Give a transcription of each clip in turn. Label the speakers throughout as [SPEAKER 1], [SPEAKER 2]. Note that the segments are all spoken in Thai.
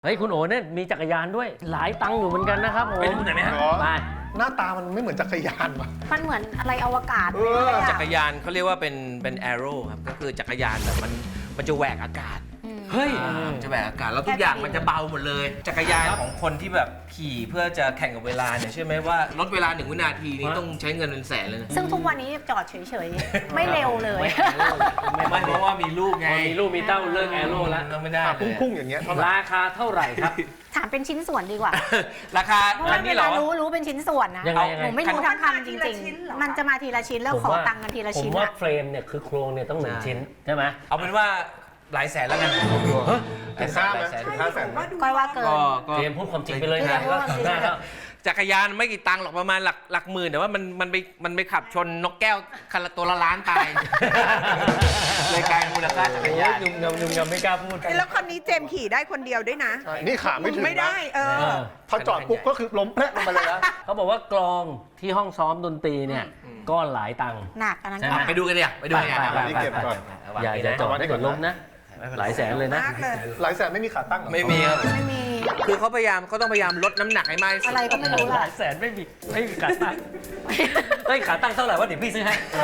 [SPEAKER 1] เฮ้ยคุณโอ๋เนี่ยมีจักรยานด้วยหลายตังค์อยู่เหมือนกันนะครับผม
[SPEAKER 2] ไปดูหน่อยไหมฮะ
[SPEAKER 1] ไป
[SPEAKER 3] หน้าตามันไม่เหมือนจักรยานว่ะ
[SPEAKER 4] มันเหมือนอะไรอวกาศเลยอะ
[SPEAKER 5] จักรยานเขาเรียกว่าเป็นแอโร่ครับก็คือจักรยานแบบมันจะแหวกอากาศ
[SPEAKER 1] เฮ้ย
[SPEAKER 5] จะแหวกอากาศแล้วทุกอย่างมันจะเบาหมดเลย จักรยานของคนที่แบบขี่เพื่อจะแข่งกับเวลาเนี่ยเชื่อไหมว่าลดเวลา1 วินาทีนี้ต้องใช้เงินเป็นแสนเลยนะ
[SPEAKER 4] ซึ่งทุกวันนี้จอดเฉยๆ ไม่เร็วเลย
[SPEAKER 5] ไม่เพราะว่ามีลูกไง
[SPEAKER 1] พอมีลูกมีเต้าเลิกแอโร่แล้ว
[SPEAKER 5] เราไม่ได้เลย
[SPEAKER 3] พุ่งๆอย่างเงี้ยเท่าไหร่
[SPEAKER 1] ราคาเท่าไหร่ครับ
[SPEAKER 4] ถามเป็นชิ้นส่วนดีกว่า
[SPEAKER 5] ราคา
[SPEAKER 4] เพราะ
[SPEAKER 5] อั
[SPEAKER 4] ว่าน เว
[SPEAKER 5] นี้เหร
[SPEAKER 4] ลา
[SPEAKER 5] อ
[SPEAKER 4] รู้เป็นชิ้นส่วนนะ
[SPEAKER 1] ยังไง
[SPEAKER 4] หนูไม่รู้ทั้งคันจริงๆ มันจะมาทีละชิ้นแล้วขอตังค์กันทีละ
[SPEAKER 1] ผม
[SPEAKER 4] ชิ้น
[SPEAKER 1] ว่า
[SPEAKER 4] อะ
[SPEAKER 1] เฟรมเนี่ยคือโครงเนี่ยต้อง1 ชิ้นใช่ไหม
[SPEAKER 5] เอาเป็นว่าหลายแสนแล้วกัน
[SPEAKER 3] ถึง5ไหมถึง5 แสนไหม
[SPEAKER 4] ก้อยว่าเกิน
[SPEAKER 5] ก็
[SPEAKER 1] เจมส์พูดความจริงไปเลย
[SPEAKER 4] เจ
[SPEAKER 1] นะ
[SPEAKER 4] มส์พูดความจริง
[SPEAKER 1] ได้แล้ว
[SPEAKER 5] จักรยานไม่กี่ตังค์หรอกประมาณหลักหมื่นแต่ว่ามันไปขับชนนกแก้วคันละตัวละล้านตายเลยกลายเป็นมูลค่าจักร
[SPEAKER 1] โอ้
[SPEAKER 5] ยาย น
[SPEAKER 1] นุ่มๆไม่กล้าพูด
[SPEAKER 6] แล้วคันนี้เจมส์ขี่ได้คนเดียวด้วยนะ
[SPEAKER 3] ใช่นี่ขาไม่ถึงนะ
[SPEAKER 6] ไม่ได้
[SPEAKER 3] พอจอดปุ๊บก็คือล้มแพะลงไปเลยนะ
[SPEAKER 1] เขาบอกว่ากลองที่ห้องซ้อมดนตรีเนี่ยก็หลายตังค์
[SPEAKER 4] หนักอันนั้น
[SPEAKER 1] ใช่
[SPEAKER 4] ก็
[SPEAKER 1] ไหม
[SPEAKER 4] หนัก
[SPEAKER 5] ไปดูกันเลยไปดูกัน
[SPEAKER 1] ไป
[SPEAKER 3] นี่เก็บก่อน
[SPEAKER 1] อย่าจอดให้กดล้มนะ หลายแสนเลยนะ
[SPEAKER 6] มากเลย
[SPEAKER 3] หลายแสนไม่มีขาตั้งเหรอ
[SPEAKER 5] ไม่มีครับ
[SPEAKER 4] ไม่มี
[SPEAKER 5] คือเขาต้องพยายามลดน้ำหนักให้มากที่สุด
[SPEAKER 4] อะไรก็ไม่รู้
[SPEAKER 1] ห
[SPEAKER 4] ล่ะ
[SPEAKER 1] ลายแสนไม่มีขาตั้งเฮ้ยขาตั้งเท่าไหร่วะเดี๋ยวพี่ซื้อให้ไป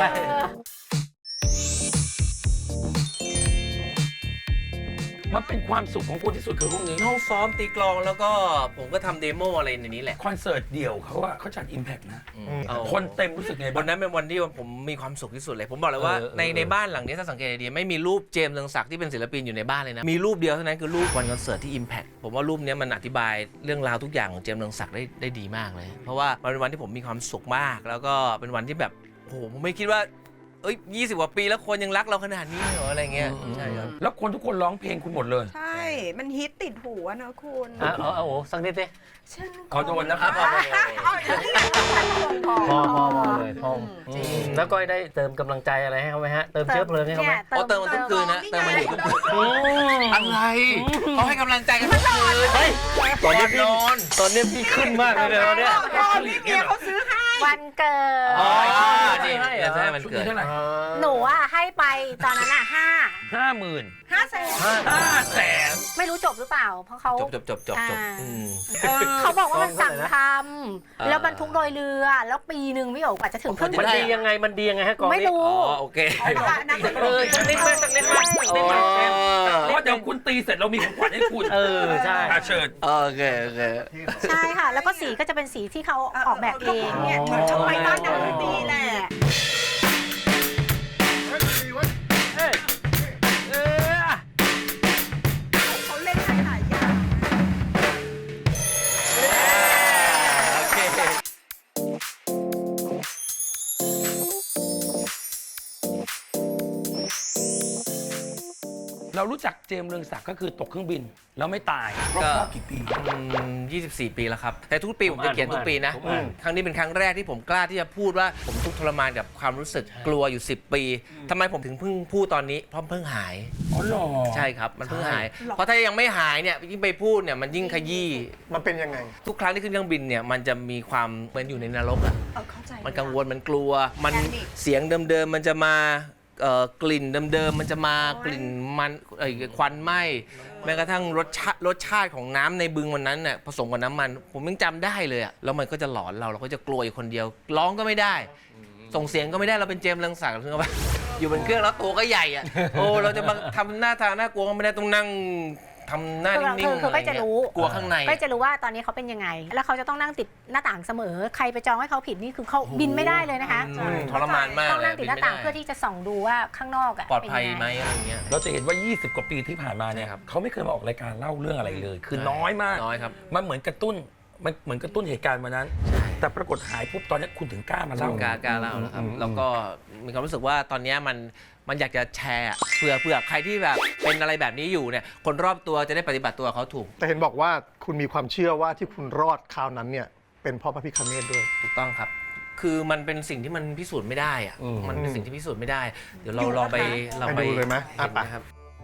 [SPEAKER 2] มันเป็นความสุขของคุณที่สุดคือพวกนี้
[SPEAKER 5] ห้องซ้อมตีกลองแล้วก็ผมก็ทำเดโมอะไรในนี้แหละ
[SPEAKER 2] คอนเสิร์ตเดี่ยวเขาจัด Impact นะ
[SPEAKER 5] เอา
[SPEAKER 2] คนเต็มรู้สึกไง
[SPEAKER 5] วั
[SPEAKER 2] บ้าน ง
[SPEAKER 5] นั้นเป็นวันที่ผมมีความสุขที่สุดเลย ผมบอกเลยว่าในบ้านหลังนี้ถ้าสังเกตดีๆไม่มีรูปเจมส์เรืองศักดิ์ที่เป็นศิลปินอยู่ในบ้านเลยนะ มีรูปเดียวเท่านั้นคือรูปวันคอนเสิร์ตที่ Impact ผมว่ารูปนี้มันอธิบายเรื่องราวทุกอย่างของเจมส์เรืองศักดิ์ได้ดีมากเลย เพราะว่ามันเป็นวันที่ผมมีความสุขมาก แล้วก็เป็นวันที่แบบโอ้โหผมไม่คิดว่า20 กว่าปีแล้วคนยังรักเราขนาดนี้เหรออะไรเงี้ยใช่ครับ
[SPEAKER 2] แล้วคนทุกคนร้องเพลงคุณหมดเลย
[SPEAKER 6] ใช่ มันฮิตติดหูอะนะคุณ
[SPEAKER 1] เอาโอ้สักนิดดิ
[SPEAKER 6] ฉัน
[SPEAKER 2] ขอโดนนะครับ
[SPEAKER 6] เอาอย่างนี้พอ
[SPEAKER 1] พอเลยพอแล้วก็ได้เติมกำลังใจอะไรให้เขาไหมฮะเติมเชื้อเพลิงให้เขาไหม
[SPEAKER 5] เติมมันทุกคืนนะเติมมันอยู่ทุกคืน
[SPEAKER 1] โอ้
[SPEAKER 5] อะไรเขาให้กำลังใจกันทุกคืน
[SPEAKER 1] เฮ้ยตอนนี้พี่
[SPEAKER 5] นอน
[SPEAKER 1] ตอนนี้พี่ขึ้นมากเลยตอนเนี้ย
[SPEAKER 6] พี่เมียเขาซื้อให้
[SPEAKER 4] วันเกิด
[SPEAKER 5] อ๋อ
[SPEAKER 1] นี่
[SPEAKER 5] นี่เดี๋ยวจะให้มัน
[SPEAKER 2] ชุด
[SPEAKER 5] เกิด
[SPEAKER 2] นี้เท่าไหร่
[SPEAKER 4] หนูอะให้ไปตอนนั้นอะ
[SPEAKER 2] 50,000
[SPEAKER 6] 5 แสน
[SPEAKER 2] 500,000
[SPEAKER 4] ไม่รู้จบหรือเปล่า เพราะเขา
[SPEAKER 5] จบ
[SPEAKER 4] เขาบอกว่ามันสั่งท
[SPEAKER 5] อ่า
[SPEAKER 4] ำแล้วบรรทุกโดยเรือ แล้วปีหนึ่งพี่โอ๋อาจจะถึง
[SPEAKER 1] มันดียังไงฮะกอง
[SPEAKER 4] ไม่
[SPEAKER 1] นี้
[SPEAKER 4] รู้
[SPEAKER 5] อ๋อโอเค
[SPEAKER 6] นัก
[SPEAKER 1] สักนิดไหมสักนิดไหม
[SPEAKER 2] เพราะเดี๋ยวคุณตีเสร็จเรามีของขวัญให้คุณ
[SPEAKER 1] ใช่
[SPEAKER 2] เชิญ
[SPEAKER 5] โอเค
[SPEAKER 4] ใช่ค่ะ แล้วก็สีก็จะเป็นสีที่เขาออกแบบเอง
[SPEAKER 6] เนี่ยเหมือนชอบไปบ้านนักดนตรีแหละเขาเล่นหลายอย่าง
[SPEAKER 5] โอเค
[SPEAKER 2] เรารู้จักเจมส์เรืองศักดิ์ก็คือตกเครื่องบินแล้วไม่ตายครอบกี่ปี
[SPEAKER 5] 24 ปีแล้วครับ แต่ทุกปีผมจะเขียนทุกปีนะ ครั้งนี้เป็นครั้งแรกที่ผมกล้าที่จะพูดว่าผมทุกข์ทรมานกับความรู้สึกกลัวอยู่ 10 ปีทำไมผมถึงเพิ่งพูดตอนนี้เพราะเพิ่งหาย
[SPEAKER 2] อ๋อเหรอ
[SPEAKER 5] ใช่ครับมันเพิ่งหาย เพราะถ้ายังไม่หายเนี่ยยิ่งไปพูดเนี่ยมันยิ่งขยี้
[SPEAKER 3] มันเป็นยังไง
[SPEAKER 5] ทุกครั้งที่ขึ้นเครื่องบินเนี่ยมันจะมีความเหมือนอยู่ในนรกอะ
[SPEAKER 6] เข้าใจ
[SPEAKER 5] มันกังวลมันกลัว มัน
[SPEAKER 6] แพนิค
[SPEAKER 5] เสียงเดิมๆมันจะมากลิ่นเดิมๆมันจะมากลิ่นมันควันไหม้แม้กระทั่งรสชาติของน้ำในบึงวันนั้นน่ะผสมกับน้ำมัน ผมยังจำได้เลยอะแล้วมันก็จะหลอนเราก็จะกลัวอยู่คนเดียวร้องก็ไม่ได้ ส่งเสียงก็ไม่ได้เราเป็นเจมส์เรืองศักดิ์ถึงว่าอยู่บนเครื่องแล้วตัวก็ใหญ่อะโอ้เราจะมาทำหน้าทางน่ากลัวก็ไม่ได้ต้องนั่งทำหน้านิ่งๆ
[SPEAKER 4] คือก็จะรู้
[SPEAKER 5] กลัวข้างใน
[SPEAKER 4] ก็จะรู้ว่าตอนนี้เขาเป็นยังไง แล้วเขาจะต้องนั่งติดหน้าต่างเสมอ ใครไปจองให้เขาผิดนี่คือเขาบินไม่ได้เลยนะคะ
[SPEAKER 5] ทรมานมาก
[SPEAKER 4] ต้อง
[SPEAKER 5] เลย
[SPEAKER 4] นั่งติดหน้าต่างเพื่อที่จะส่องดูว่าข้างนอกอะ
[SPEAKER 5] ปลอดภัย
[SPEAKER 4] เป็นง
[SPEAKER 5] ไหม
[SPEAKER 4] ง
[SPEAKER 5] อะไรเงี้ย
[SPEAKER 2] เราจะเห็นว่า 20 กว่าปีที่ผ่านมาเนี่ย
[SPEAKER 5] ใช่ครับ
[SPEAKER 2] เขาไม่เคยมาออกรายการเล่าเรื่องอะไรเลย คือน้อยมาก
[SPEAKER 5] น้อยครับ
[SPEAKER 2] มันเหมือนกระตุ้นเหตุการณ์วันนั้น แต่ปรากฏหายปุ๊บตอนนี้คุณถึงกล้ามาเล่า
[SPEAKER 5] กล้าเล่าแล้วครับแล้วก็มีความรู้สึกว่าตอนนี้มันอยากจะแชร์เผื่อใครที่แบบเป็นอะไรแบบนี้อยู่เนี่ยคนรอบตัวจะได้ปฏิบัติตัวเขาถูก
[SPEAKER 3] แต่เห็นบอกว่าคุณมีความเชื่อว่าที่คุณรอดคราวนั้นเนี่ยเป็นเพราะพระพิฆเนศด้วย
[SPEAKER 5] ถูกต้องครับ คือมันเป็นสิ่งที่มันพิสูจน์ไม่ได้อะมันเป็นสิ่งที่พิสูจน์ไม่ได้ เดี๋ยวเราลองไป
[SPEAKER 3] ไปดูเลยไหม
[SPEAKER 5] เห็น
[SPEAKER 3] ไป
[SPEAKER 5] นะครับ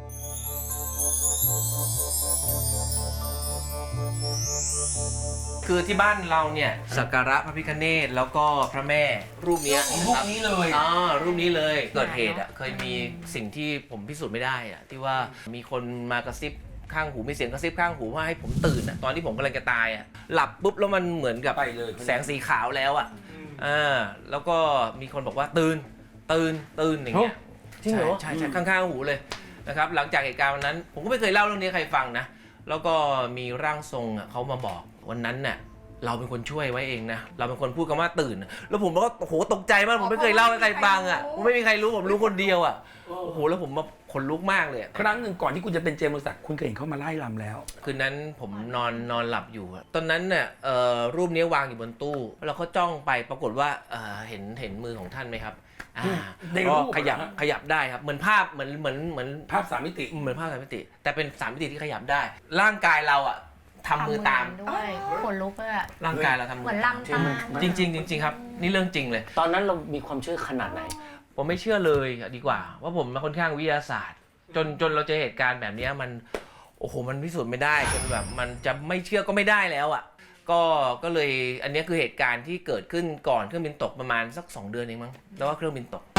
[SPEAKER 5] คือที่บ้านเราเนี่ยสักการะพระพิฆเนศแล้วก็พระแม่รูปเนี้ย
[SPEAKER 2] รูปนี้เลย
[SPEAKER 5] รูปนี้เลยเกิดเหตุอ่ะเคยมีสิ่งที่ผมพิสูจน์ไม่ได้อ่ะที่ว่ามีคนมากระซิบข้างหูมีเสียงกระซิบข้างหูว่าให้ผมตื่นอะตอนที่ผมกำลังจะตายอะหลับปุ๊บแล้วมันเหมือนกับ
[SPEAKER 2] ไปเลย
[SPEAKER 5] แสงสีขาวแล้วอะแล้วก็มีคนบอกว่าตื่นอย่างเงี้ย
[SPEAKER 1] จริงเหรอ
[SPEAKER 5] ใช่ข้างๆหูเลยนะครับหลังจากเหตุการณ์วันนั้นผมก็ไม่เคยเล่าเรื่องนี้ให้ใครฟังนะแล้วก็มีร่างทรงอะเขามาบอกวันนั้นน่ะเราเป็นคนช่วยไว้เองนะเราเป็นคนพูดคำว่าตื่น แล้วผมก็โอ้โหตกใจมากผมไม่เคยเล่าให้ใครฟังอ่ะผมไม่มีใครรู้ผมรู้คนเดียวอ่ะโอ้โหแล้วผมมาขนลุกมากเลยอะ
[SPEAKER 2] ครั้งหนึ่งก่อนที่คุณจะเป็นเจมส์บริษัทคุณเคยเห็นเขามาไล่รำแล้ว
[SPEAKER 5] คืนนั้นผมนอนหลับอยู่อะตอนนั้นเนี่ยรูปนี้วางอยู่บนตู้แล้วเขาจ้องไปปรากฏว่าเห็นมือของท่านไหมครับ
[SPEAKER 2] ในรูป
[SPEAKER 5] ก็ขยับได้ครับเหมือนภาพเหมือน
[SPEAKER 2] ภาพสามมิติ
[SPEAKER 5] เหมือนภาพสามมิติ แต่เป็นสามมิติที่ขยับได้ ร่างกายเราอ่ะทำมือตาม
[SPEAKER 4] ด้วยขนลุกเลยอะ
[SPEAKER 5] ร่างกายเราทำมื
[SPEAKER 4] เหมือน
[SPEAKER 5] ตาม
[SPEAKER 4] ลำตาม
[SPEAKER 5] จริงครับนี่เรื่องจริงเลย
[SPEAKER 1] ตอนนั้นเรามีความเชื่อขนาดไหน
[SPEAKER 5] ผมไม่เชื่อเลยดีกว่า ว่าผมมาค่อนข้างวิทยาศาสตร์ จนเราเจอเหตุการณ์แบบนี้มันโอ้โหมันพิสูจน์ไม่ได้จนแบบมันจะไม่เชื่อก็ไม่ได้แล้วอ่ะก็เลยอันนี้คือเหตุการณ์ที่เกิดขึ้นก่อนเครื่องบินตกประมาณสัก2 เดือนเองมั้งแล้วก็เครื่องบินตก